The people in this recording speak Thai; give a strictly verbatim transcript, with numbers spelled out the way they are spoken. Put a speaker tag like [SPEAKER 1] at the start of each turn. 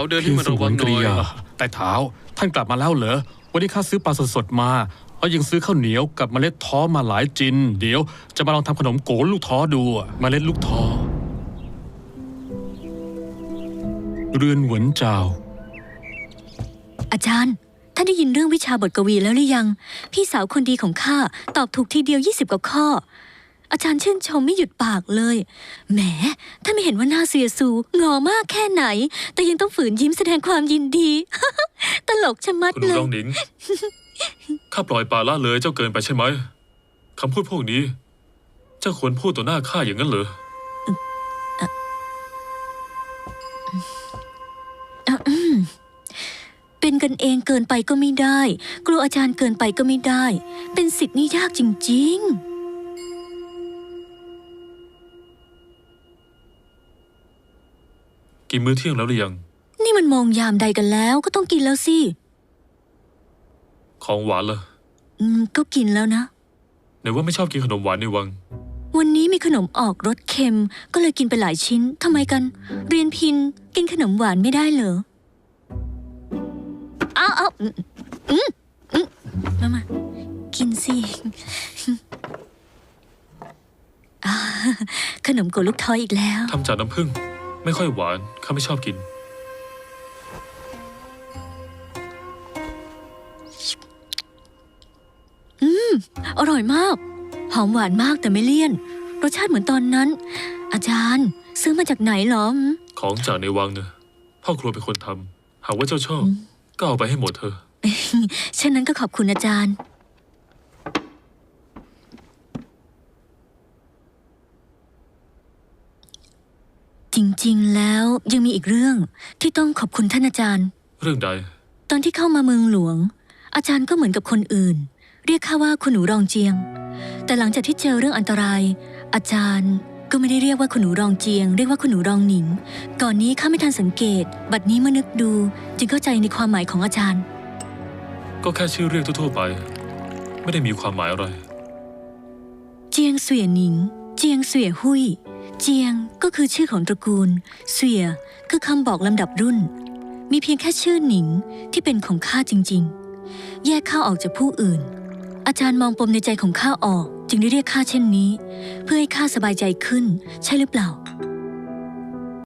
[SPEAKER 1] เดินให้มันระวังหน่อย
[SPEAKER 2] แต่เท้าท่านกลับมาแล้วเหรอวันนี้ข้าซื้อปลาสดๆมาแล้วยังซื้อข้าวเหนียวกับเมล็ดท้อมาหลายจินเดี๋ยวจะมาลองทำขนมโกลูกท้อดูเมล็ดลูกท้อเรือนหวนเจ้า
[SPEAKER 3] อาจารย์ท่านได้ยินเรื่องวิชาบทกวีแล้วหรือยังพี่สาวคนดีของข้าตอบถูกทีเดียวยี่สิบกว่าข้ออาจารย์ชื่นชมไม่หยุดปากเลยแหมท่านไม่เห็นว่าหน้าเสียสูงอมากแค่ไหนแต่ยังต้องฝืนยิ้มแสดงความยินดี ตลกชะมัดเลย
[SPEAKER 1] คุณรองหนิง ข้าปล่อยปละละเลยเจ้าเกินไปใช่ไหมคำพูดพวกนี้เจ้าควรพูดต่อหน้าข้าอย่างนั้นเหรอ
[SPEAKER 3] เป็นกันเองเกินไปก็ไม่ได้กลัวอาจารย์เกินไปก็ไม่ได้เป็นศิษย์นี่ยากจริงๆ
[SPEAKER 1] กินมื้อเที่ยงแล้วหรือยัง
[SPEAKER 3] นี่มันมองยามใดกันแล้วก็ต้องกินแล้วสิ
[SPEAKER 1] ของหวานล่ะ
[SPEAKER 3] อืมก็กินแล้วนะ
[SPEAKER 1] ไหนว่าไม่ชอบกินขนมหวานในวัง
[SPEAKER 3] วันนี้มีขนมออกรสเค็มก็เลยกินไปหลายชิ้นทำไมกันเรียนพินกินขนมหวานไม่ได้เหรออ้าวอ้าวอืมอืมอืมมามากินสิขนมโกลูกท้อยอีกแล้ว
[SPEAKER 1] ทำจากน้ำผึ้งไม่ค่อยหวานข้าไม่ชอบกิน
[SPEAKER 3] อืมอร่อยมากหอมหวานมากแต่ไม่เลี่ยนรสชาติเหมือนตอนนั้นอาจารย์ซื้อมาจากไหนหรอ
[SPEAKER 1] ของจากในวังเนอะพ่อครัวเป็นคนทำหากว่าเจ้าชอบก็เอาไปให้หมดเธอ
[SPEAKER 3] เช่นนั้นก็ขอบคุณอาจารย์จริงๆแล้วยังมีอีกเรื่องที่ต้องขอบคุณท่านอาจารย์
[SPEAKER 1] เรื่องใด
[SPEAKER 3] ตอนที่เข้ามาเมืองหลวงอาจารย์ก็เหมือนกับคนอื่นเรียกข้าว่าคุณหนูรองเจียงแต่หลังจากที่เจอเรื่องอันตรายอาจารย์ก็ไม่ได้เรียกว่าคุณหนูรองเจียงเรียกว่าคุณหนูรองหนิงก่อนนี้ข้าไม่ทันสังเกตบัดนี้เมื่อนึกดูจึงเข้าใจในความหมายของอาจารย์
[SPEAKER 1] ก็แค่ชื่อเรียกทั่วๆไปไม่ได้มีความหมายอะไร
[SPEAKER 3] เจียงเสวียหนิงเจียงเสวียหุยเจียงก็คือชื่อของตระกูลเสวียคือคำบอกลำดับรุ่นมีเพียงแค่ชื่อหนิงที่เป็นของข้าจริงๆแยกข้าออกจากผู้อื่นอาจารย์มองปมในใจของข้าออกจึงได้เรียกข้าเช่นนี้เพื่อให้ข้าสบายใจขึ้นใช่หรือเปล่า